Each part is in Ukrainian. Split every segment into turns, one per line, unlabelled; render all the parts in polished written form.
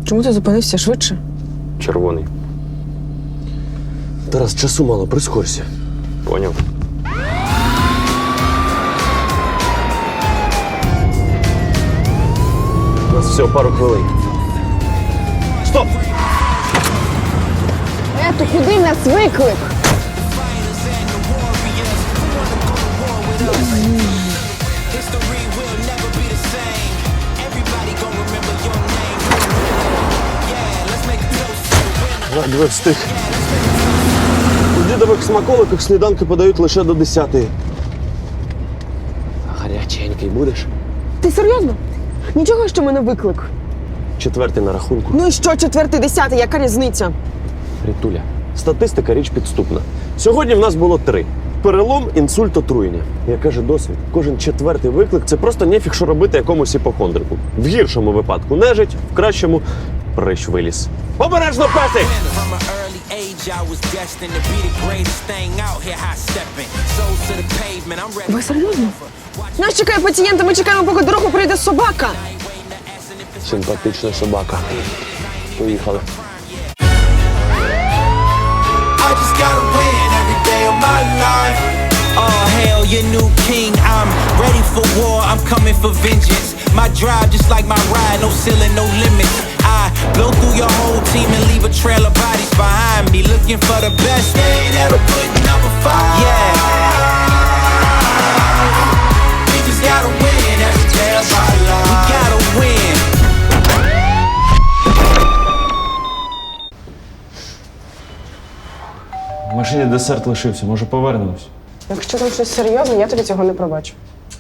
Чому ти зупинився швидше?
Червоний.
Тарас, часу мало, прискорься.
Поняв.
У нас всього пару хвилин. Стоп!
То куди нас виклик?
Ледве встиг. У дідових смаколиках сніданки подають лише до 10-ї. Гаряченький будеш?
Ти серйозно? Нічого, що мене виклик.
4-й на рахунку.
Ну і що, 4-й, 10-й, яка різниця?
Рітуля, статистика – річ підступна. Сьогодні в нас було 3. Перелом, інсульт, отруєння. Як каже досвід, кожен 4-й виклик – це просто нефіг, що робити якомусь іпохондрику. В гіршому випадку нежить, в кращому – прищ виліз. Обережно, песик!
Ви серйозно? Нас чекає пацієнт, а ми чекаємо, поки дорогу прийде собака.
Симпатична собака. Поїхали.
I just gotta win every day of my life. Oh, hail your new king. I'm ready for war. I'm coming for vengeance. My drive just like my ride. No ceiling, no limits. I blow through your whole team and leave a trail of bodies behind me. Looking for the best. They ain't ever putting up a fight. Yeah. We just gotta win every day of our life. We gotta win.
В машині десерт лишився, може повернемось?
Якщо там щось серйозне, я тобі цього не пробачу.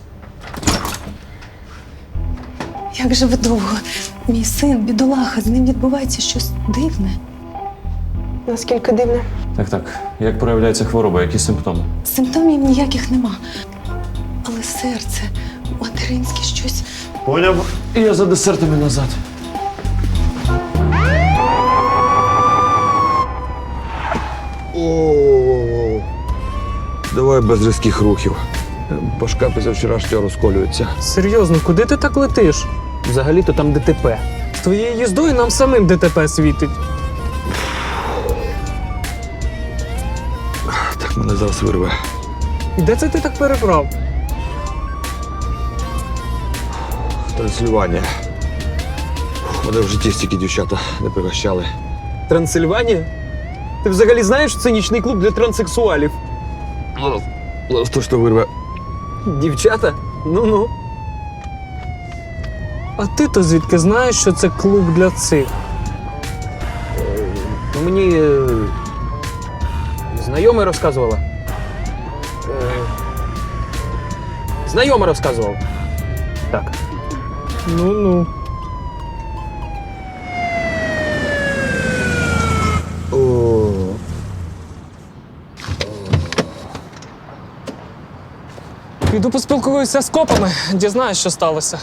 Як же ви довго? Мій син, бідолаха, з ним відбувається щось дивне.
Наскільки дивне.
Так. Як проявляється хвороба, які симптоми?
Симптомів ніяких нема. Але серце, материнське щось.
Поняв. І я за десертами назад. О, давай без різких рухів. Башка після вчорашнього розколюється.
Серйозно, куди ти так летиш? Взагалі-то там ДТП. З твоєю їздою нам самим ДТП світить.
Так мене зараз вирве.
І де це ти так перебрав?
Трансильванія. Мене в житті стільки дівчата не пригощали.
Трансильванія? Ти взагалі знаєш, що це нічний клуб для транссексуалів?
Зараз точно вирве.
Дівчата? Ну-ну. А ти-то звідки знаєш, що це клуб для цих? Мені знайома розказувала. Знайома розказувала. Так. Ну-ну. Піду поспілкуюся з копами, дізнаюсь, що сталося.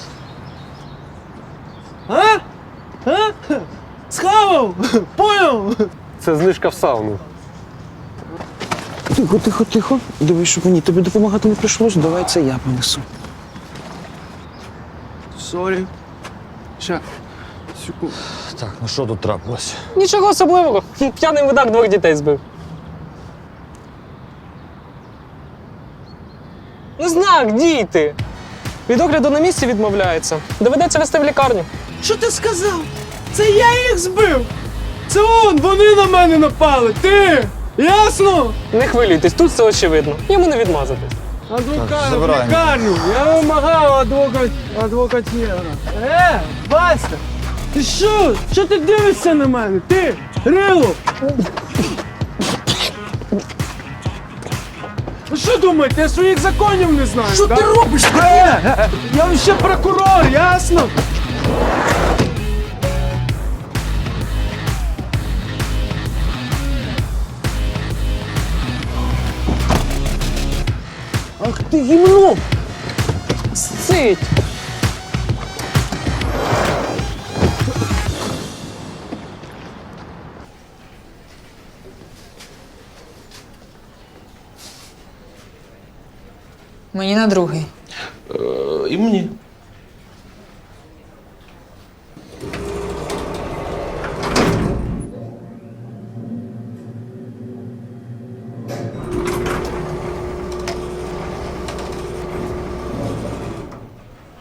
Схавав! Поняв?
Це знижка в сауну.
Тихо. Дивись, щоб мені тобі допомагати не прийшлось. Давай це я понесу. Сорі. Ща. Секунду.
Так, ну що тут трапилось?
Нічого особливого. П'яний видак 2 дітей збив. Ну знак, дійти. Від огляду на місці відмовляється. Доведеться везти в лікарню.
Що ти сказав? Це я їх збив! Це вони на мене напали! Ти! Ясно?
Не хвилюйтесь, тут все очевидно. Йому не відмазатись.
Адвокат, в лікарню! Я вимагав адвокатєра. Вася! Ти що? Що ти дивишся на мене? Ти! Рило! Ви що думаєте, я своїх законів не знаю? Що ти робиш? Я ще прокурор, ясно? Ах ти гімно!
Сцить!
Мені на другий.
І мені.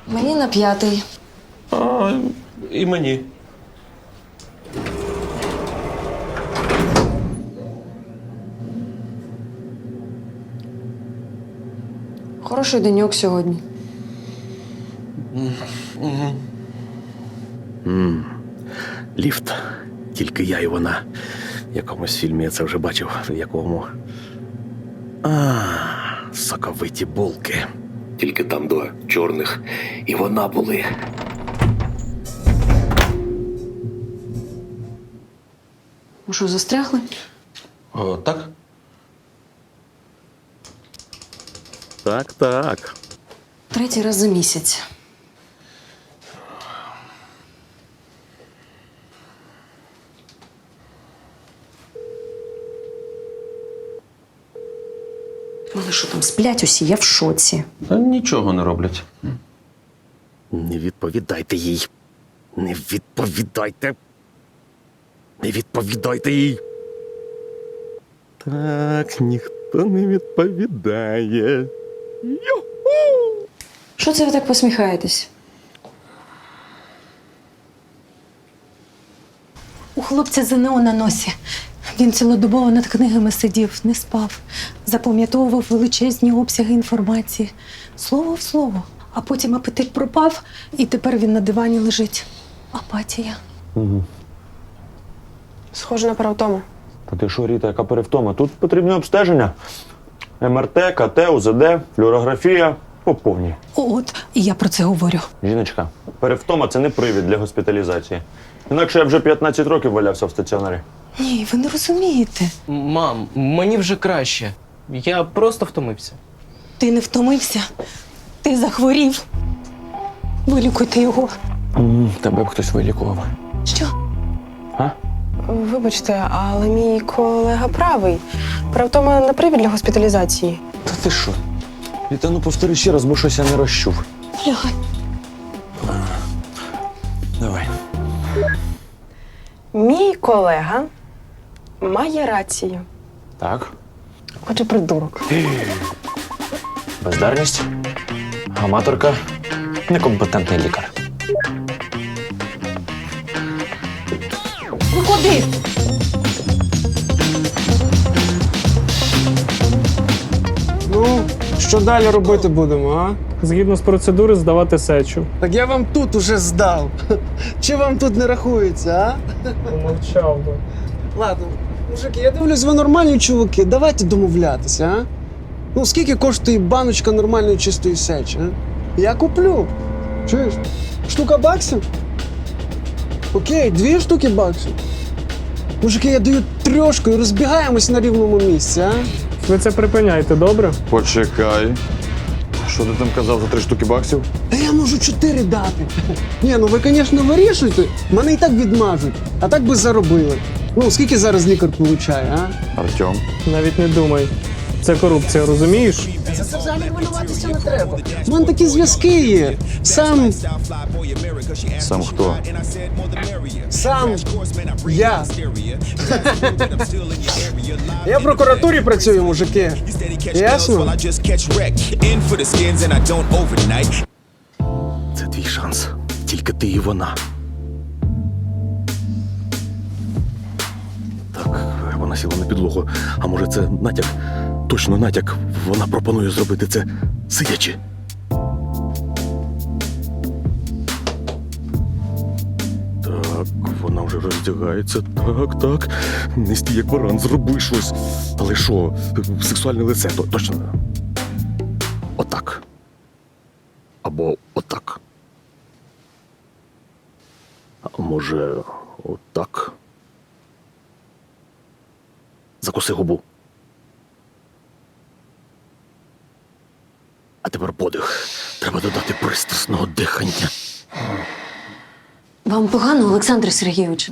Мені на 5-й.
І мені.
Хороший деньок сьогодні.
Ліфт. Тільки я і вона. В якомусь фільмі я це вже бачив. В якому. Соковиті булки. Тільки там до чорних і вона були.
Ви що, застрягли?
О, так? Так.
3-й раз за місяць. Вони що там сплять усі? Я в шоці.
Та нічого не роблять. Не відповідайте їй. Не відповідайте. Не відповідайте їй. Так, ніхто не відповідає.
Що це ви так посміхаєтесь?
У хлопця ЗНО на носі. Він цілодобово над книгами сидів, не спав, запам'ятовував величезні обсяги інформації. Слово в слово. А потім апетит пропав, і тепер він на дивані лежить. Апатія.
Схоже на перевтому.
Та ти що, Ріта, яка перевтома? Тут потрібні обстеження. МРТ, КТ, УЗД, флюорографія по повній.
От, і я про це говорю.
Жіночка, перевтома – це не привід для госпіталізації. Інакше я вже 15 років валявся в стаціонарі.
Ні, ви не розумієте.
Мам, мені вже краще. Я просто втомився.
Ти не втомився. Ти захворів. Вилікуйте його.
Тебе б хтось вилікував.
Що?
Вибачте, але мій колега правий. Перевтома не привід для госпіталізації.
Та ти що? Віта, ну повтори ще раз, бо щось я не розчув.
Лягай.
Давай.
Мій колега має рацію.
Так.
Отже, придурок.
Бездарність, аматорка, некомпетентний лікар.
Ви куди?
Ну, що далі робити будемо, а?
Згідно з процедури здавати сечу.
Так я вам тут уже здав. Чи вам тут не рахується, а?
Помовчав би.
Ладно, мужики, я дивлюсь, ви нормальні чуваки. Давайте домовлятися, а? Ну, скільки коштує баночка нормальної чистої сечі, а? Я куплю. Чуєш? Штука баксів? Окей, 2 штуки баксів. Мужики, я даю 3 і розбігаємось на рівному місці, а?
Ви це припиняйте, добре?
Почекай. Що ти там казав за 3 штуки баксів?
Та я можу 4 дати. Ні, ну ви, звісно, вирішуйте. Мене і так відмажуть. А так би заробили. Ну, скільки зараз лікар получає, а?
Артем.
Навіть не думай. Це корупція, розумієш?
За це взагалі хвилюватися не треба. У мене такі зв'язки є. Сам
Сам
я. Я в прокуратурі працюю, мужики. Ясно?
Це твій шанс. Тільки ти і вона. Так, вона сіла на підлогу. А може це натяк? Точно натяк. Вона пропонує зробити це сидячи. Так, вона вже роздягається. Так. Не стій, як баран, зроби щось. Але що, сексуальне лице, точно. Отак. Або отак. А може, отак. Закуси губу. А тепер подих. Треба додати пристрасного дихання.
Вам погано, Олександр Сергійович?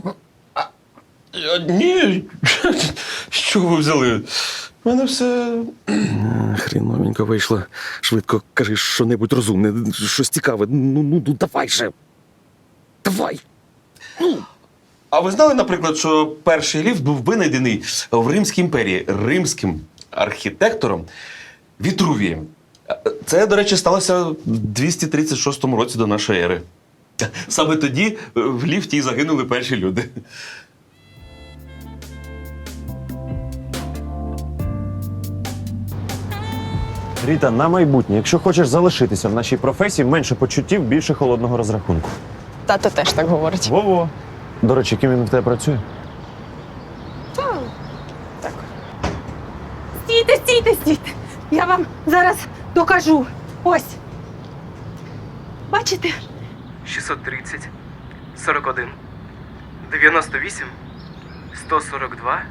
Ні. Що ви взяли? У мене все. Хріновенько вийшло. Швидко кажи що-небудь розумне, щось цікаве. Ну, давай же. Давай.
А ви знали, наприклад, що перший ліфт був винайдений в Римській імперії римським архітектором Вітрувієм. Це, до речі, сталося в 236 році до нашої ери. Саме тоді в ліфті і загинули перші люди.
Ріта, на майбутнє, якщо хочеш залишитися в нашій професії, менше почуттів, більше холодного розрахунку.
Тато теж так говорить.
Во-во. До речі, ким він в тебе працює?
Стійте, стійте, стійте. Я вам зараз докажу. Ось. Бачите?
630, 41, 98, 142,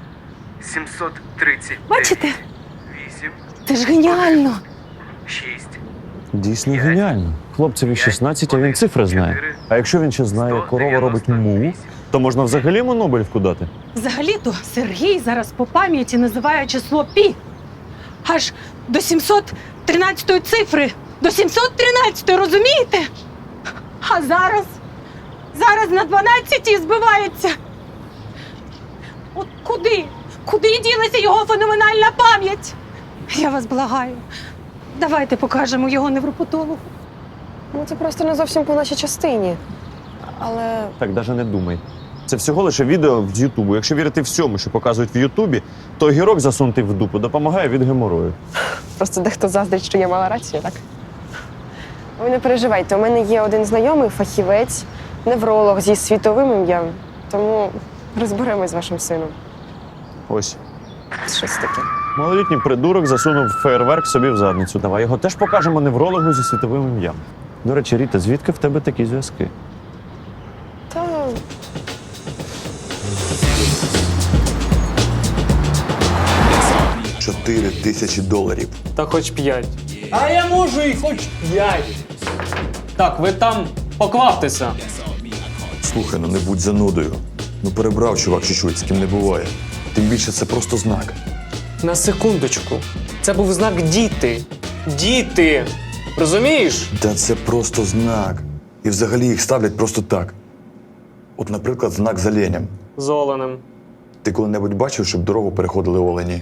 730.
Бачите?
8,
Це ж геніально.
6.
Дійсно геніально. Хлопцеві 16, а він цифри знає. А якщо він ще знає, як корова робить му, то можна взагалі йому Нобелівку дати.
Взагалі-то Сергій зараз по пам'яті називає число пі. Аж до 713-ї цифри. До 713-ї, розумієте? А зараз на 12-й збивається. От куди? Куди ділася його феноменальна пам'ять? Я вас благаю. Давайте покажемо його невропатологу.
Ну, це просто не зовсім по нашій частині. Але
Так, навіть не думай. Це всього лише відео з Ютубу. Якщо вірити всьому, що показують в Ютубі, то огірок засунутий в дупу допомагає від геморою.
просто дехто заздрить, що я мала рацію, так? Ви не переживайте, у мене є один знайомий фахівець, невролог зі світовим ім'ям. Тому розберемось з вашим сином.
Ось.
Щось таке.
Малолітній придурок засунув фейерверк собі в задницю. Давай його теж покажемо неврологу зі світовим ім'ям. До речі, Ріта, звідки в тебе такі зв'язки?
Та
4 тисячі доларів.
Та хоч 5.
А я можу і хоч 5.
Так, ви там покваптеся.
Слухай, ну не будь занудою. Ну перебрав чувак чуть-чуть, з ким не буває. Тим більше це просто знак.
На секундочку. Це був знак діти. Діти! Розумієш?
Та це просто знак. І взагалі їх ставлять просто так. От, наприклад, знак з оленем.
З оленем.
Ти коли-небудь бачив, щоб дорогу переходили олені?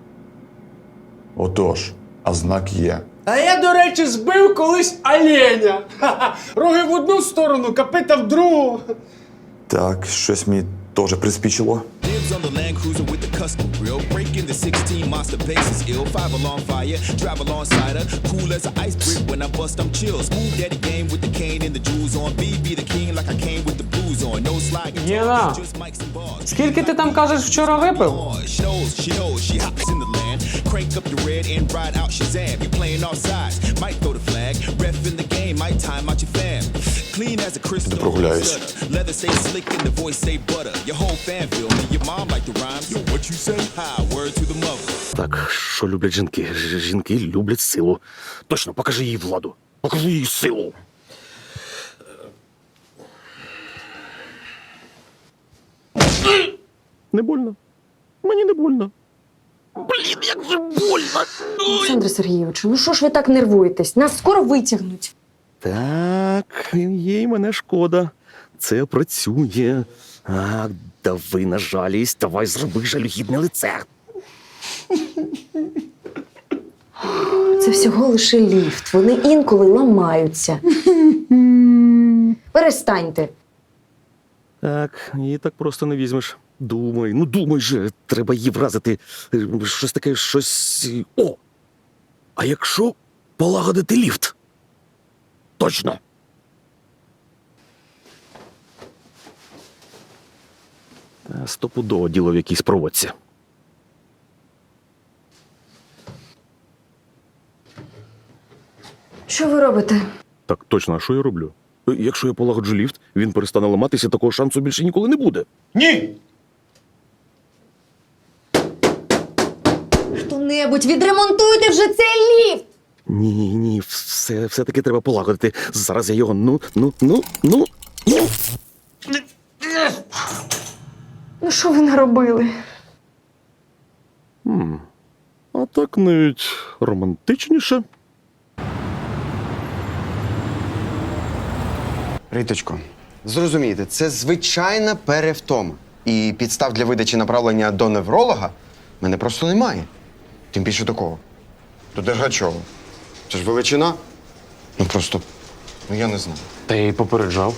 Отож, а знак є.
А я, до речі, збив колись оленя. Ха-ха. Роги в одну сторону, копита в другу.
Так, щось мені теж приспічило.
Dibs on the Land Cruiser with the custom grill. Breaking the 16 monster bass is ill. 5 alarm fire, drive alongside her. Cool as an ice brick when I bust, I'm chill. Smooth daddy game with the cane and the jewels on. BB the king like I came with the blues on. No slide
Єна,
just mics and bars.
скільки ти там кажеш вчора випив?
She knows, she hops in the land. Crank up the red and ride out Shazam. You playing off sides, might throw the flag. Ref in the game, might time out your fam. Clean as a crystal.
прогуляюсь.
Leather say slick and the voice say butter. Your whole fan feel me. Your mom like the rhymes. Yo, what you say? Hi, word to the mother.
Так, що люблять жінки? Жінки люблять силу. Точно, покажи їй владу. Покажи їй силу. Не больно. Мені не больно. Блін, як же больно.
Олександре Сергійовичу, ну що ж ви так нервуєтесь? Нас скоро витягнуть.
Так, їй мене шкода. Це працює. А, дави на жалість, давай зроби жалюгідне лице.
Це всього лише ліфт. Вони інколи ламаються. Перестаньте.
Так, її так просто не візьмеш. Думай, ну думай же, треба її вразити. Щось таке, щось. О! А якщо полагодити ліфт? Точно! Стопудово діло в якійсь проводці.
Що ви робите?
Так точно, а що я роблю? Якщо я полагоджу ліфт, він перестане ламатися, такого шансу більше ніколи не буде.
Ні!
Хто-небудь відремонтуйте вже цей ліфт!
Ні, все-таки треба полагодити. Зараз я його ну.
Ну що ви наробили?
А так навіть романтичніше.
Риточко, зрозумійте, це звичайна перевтома. І підстав для видачі направлення до невролога в мене просто немає. Тим більше такого. До Дергачова. Це ж величина. Ну просто, ну я не знаю.
Та я її попереджав.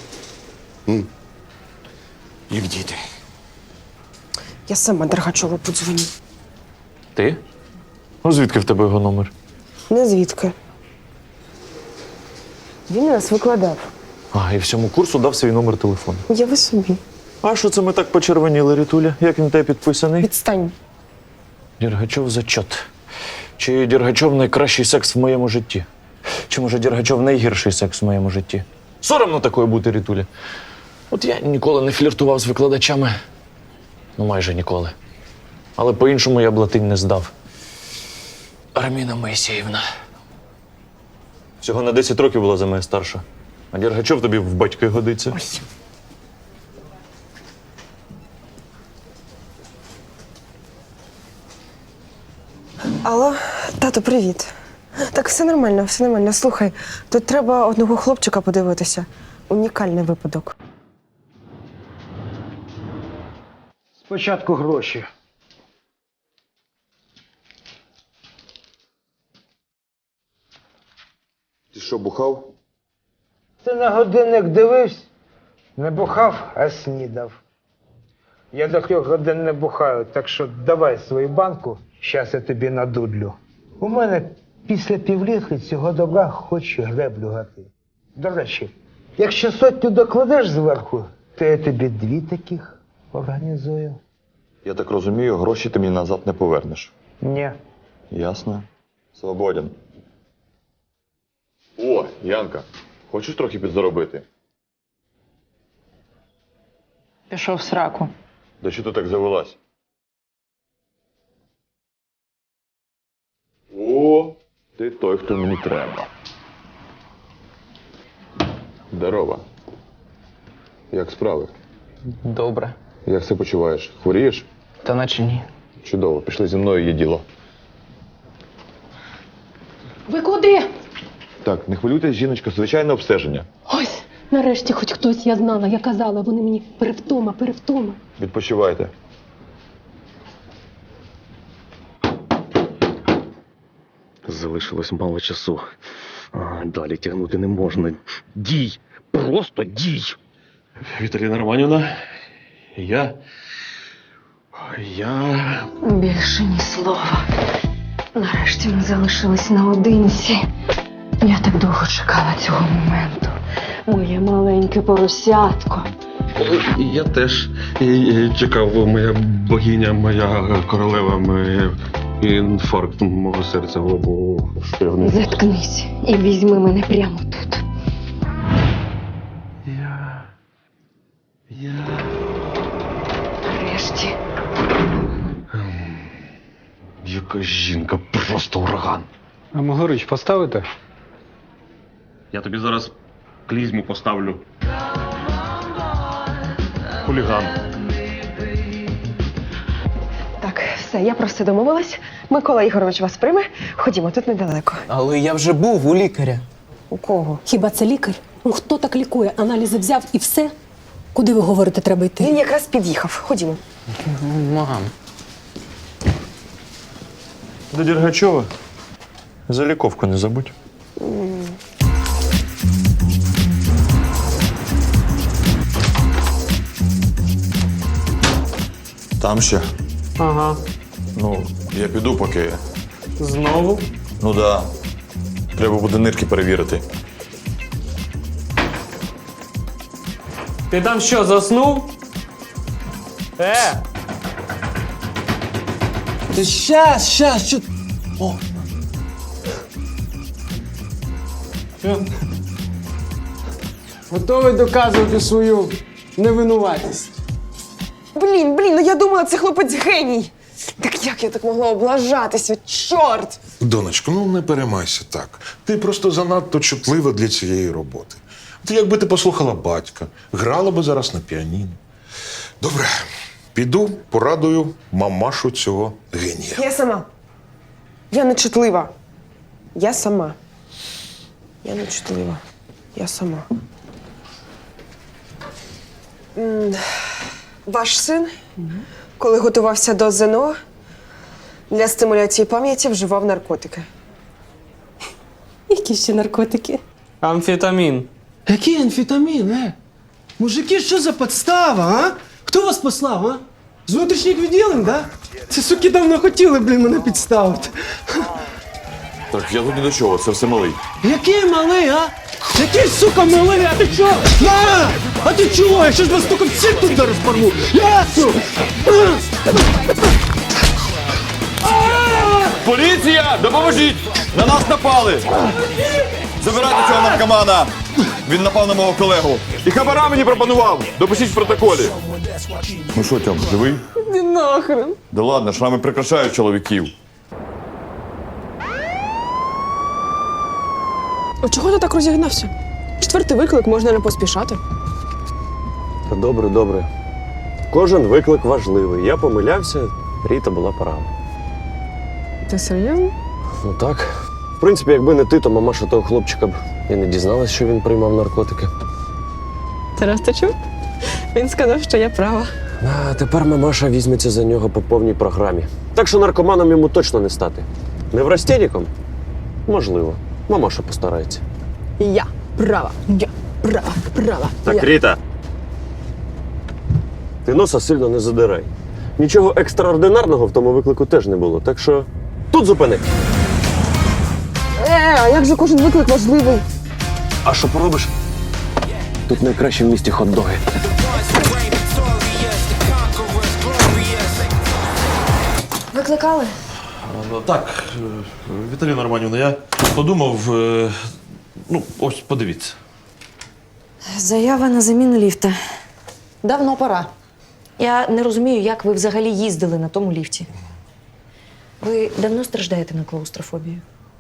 Як діти.
Я сама Дергачову подзвоню.
Ти? Ну звідки в тебе його номер?
Не звідки. Він нас викладав.
А, і всьому курсу дав свій номер телефону.
Уяви собі.
А що це ми так почервоніли, Рітуля? Як він тебе підписаний?
Відстань.
Дергачов зачот. Чи Дергачов найкращий секс в моєму житті? Чи може Дергачов найгірший секс в моєму житті? Соромно такою бути, Рітуля. От я ніколи не фліртував з викладачами. Ну, майже ніколи. Але по-іншому я б латинь не здав. Арміна Моїсеївна. Всього на 10 років була за мене старша. А Дергачов тобі в батьки годиться.
Ой. Алло, тато, привіт. Так, все нормально, все нормально. Слухай, тут треба одного хлопчика подивитися. Унікальний випадок.
Спочатку гроші.
Ти що, бухав?
Ти на годинник дивився? Не бухав, а снідав. Я до 3 годин не бухаю, так що давай свою банку, щас я тобі надудлю. У мене після півлітри цього добра хоч греблю гати. До речі, якщо 100 докладеш зверху, то я тобі 2 таких організую.
Я так розумію, гроші ти мені назад не повернеш.
Ні.
Ясно. Свободен. О, Янка, хочеш трохи підзаробити?
Пішов в сраку.
Да що ти так завелась? О, ти той, хто мені треба. Здорова. Як справи?
Добре.
Як себе почуваєш? Хворієш?
Та наче ні.
Чудово, пішли зі мною, є діло.
Ви куди?
Так, не хвилюйтесь, жіночка, звичайне обстеження.
Ось, нарешті хоч хтось я знала. Я казала, вони мені перевтома.
Відпочивайте.
Залишилось мало часу. Далі тягнути не можна. Дій! Просто дій!
Віталіна Романівна, я
Більше ні слова. Нарешті ми залишились наодинці. Я так довго чекала цього моменту. Моє маленьке поросятко.
Я теж чекав, моя богиня, моя королева, інфаркт мого серця в лобу.
Заткнись і візьми мене прямо тут. Нарешті.
Яка жінка, просто ураган.
А Могорич поставити?
Я тобі зараз клізму поставлю. Хуліган.
Так, все, я про все домовилась. Микола Ігорович вас прийме. Ходімо, тут недалеко.
Але я вже був у лікаря.
У кого?
Хіба це лікар? Ну хто так лікує? Аналізи взяв і все? Куди ви говорите, треба йти?
Він якраз під'їхав. Ходімо.
Мам.
До Дергачова. За ліковку не забудь.
Там ще?
Ага.
Ну, я піду поки.
Знову?
Ну да. Треба буде нирки перевірити.
Ти там що, заснув?
Ти щас, що... О. Готовий доказувати свою невинуватість.
Блін, ну я думала, це хлопець геній. Так як я так могла облажатися? Чорт!
Донечко, ну не переймайся так. Ти просто занадто чутлива для цієї роботи. От якби ти послухала батька, грала би зараз на піаніно. Добре, піду, порадую мамашу цього генія.
Я сама. Я не чутлива. Я сама. Я не чутлива. Я сама. Ваш син, коли готувався до ЗНО, для стимуляції пам'яті вживав наркотики.
які ще наркотики?
Амфетамін.
Який амфетамін, Мужики, що за подстава, а? Хто вас послав, а? З внутрішніх відділень, да? Ці суки давно хотіли, мене підставити.
Так, я тут ні до чого, це все малий.
Який малий, а? Який, сука, малий, а ти чо? На! А ти чого? Я щось вас тільки всіх тут зараз порву. Ясно!
Поліція! Допоможіть! На нас напали! Забирайте цього наркомана! Він напав на мого колегу. І хабара мені пропонував! Допишіть в протоколі. Ну що, Тьом, живий?
Ти нахрен.
Да ладно, шрами прикрашають чоловіків.
А чого ти так розігнався? 4-й виклик, можна не поспішати.
Та добре. Кожен виклик важливий. Я помилявся, Ріта була права.
Ти серйозно?
Ну так. В принципі, якби не ти, то мамаша того хлопчика б і не дізналась, що він приймав наркотики.
Тарас, ти чув? Він сказав, що я права.
А тепер мамаша візьметься за нього по повній програмі. Так що наркоманом йому точно не стати. Неврастенником? Можливо. Мамаша постарається.
Я права.
Так, Ріта. Ти носа сильно не задирай. Нічого екстраординарного в тому виклику теж не було. Так що тут зупини.
А як же кожен виклик важливий?
А що поробиш? Тут найкраще в місті хот-доги.
Викликали?
Так, Віталіна Романівна, я подумав. Ну, ось подивіться.
Заява на заміну ліфта.
Давно пора.
Я не розумію, як ви взагалі їздили на тому ліфті. Ви давно страждаєте на клаустрофобію?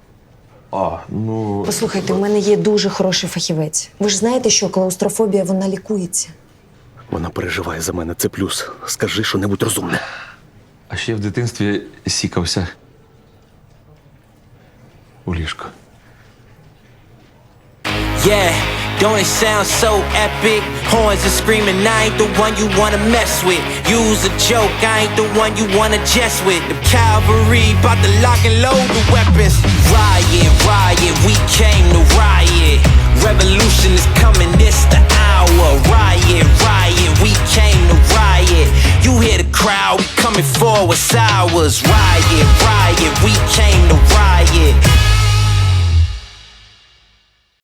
Ну.
Послухайте, у мене є дуже хороший фахівець. Ви ж знаєте, що клаустрофобія, вона лікується.
Вона переживає за мене, це плюс. Скажи що-небудь розумне.
А ще в дитинстві сікався. У ліжко.
Yeah, don't it sound so epic? Horns are screaming, I ain't the one you wanna mess with. Use a joke, I ain't the one you wanna jest with. The cavalry bout to lock and load the weapons. Riot, we came to riot. Revolution is coming, this the hour. Riot, we came to riot. You hear the crowd, we coming for what's ours. Riot, we came to riot.